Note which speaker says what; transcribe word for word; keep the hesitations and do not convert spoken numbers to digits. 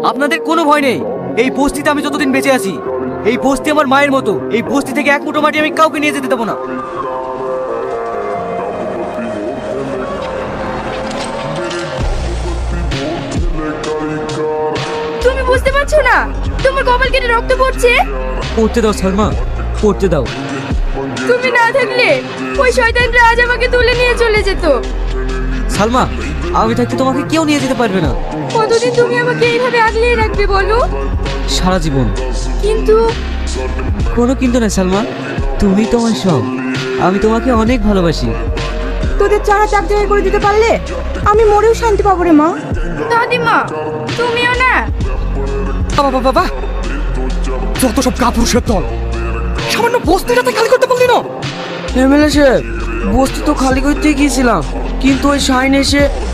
Speaker 1: আপনাদের কোনো ভয় নেই। এই বস্তিতে আমি যতদিন বেঁচে আছি, এই বস্তি আমার মায়ের মতো। এই বস্তি থেকে এক মুঠো মাটি আমি কাউকে নিয়ে যেতে দেবো না।
Speaker 2: তুমি বুঝতে পারছো না তোমার কপাল কেটে রক্ত পড়ছে?
Speaker 1: পড়তে দাও সালমা, পড়তে দাও।
Speaker 2: তুমি না থাকলে ওই শয়তানরা আজ আমাকে তুলে নিয়ে চলে যেত।
Speaker 1: সালমা, আমি থাকতে তোমাকে কেউ নিয়ে যেতে পারবে না।
Speaker 2: কতদিন তুমি আমাকে এইভাবে আগলিয়ে রাখবে বলো?
Speaker 1: সারা জীবন।
Speaker 2: কিন্তু
Speaker 1: কোনো কিন্তু না সালমা, তুমি তোমার সব। আমি তোমাকে অনেক ভালোবাসি।
Speaker 2: তোদের চারা চাক জায়গা করে দিতে পারলে আমি মরেও শান্তি পাবো রে মা। দাদিমা তুমিও না।
Speaker 3: বাবা বাবা, যত সব কাপুরুষের দল, সামান্য বস্তিটাতে খালি করতে পারলি না?
Speaker 4: এমএলএ সাহেব, বস্তি তো খালি করতে গিয়েছিলাম, কিন্তু ওই শাইন এসে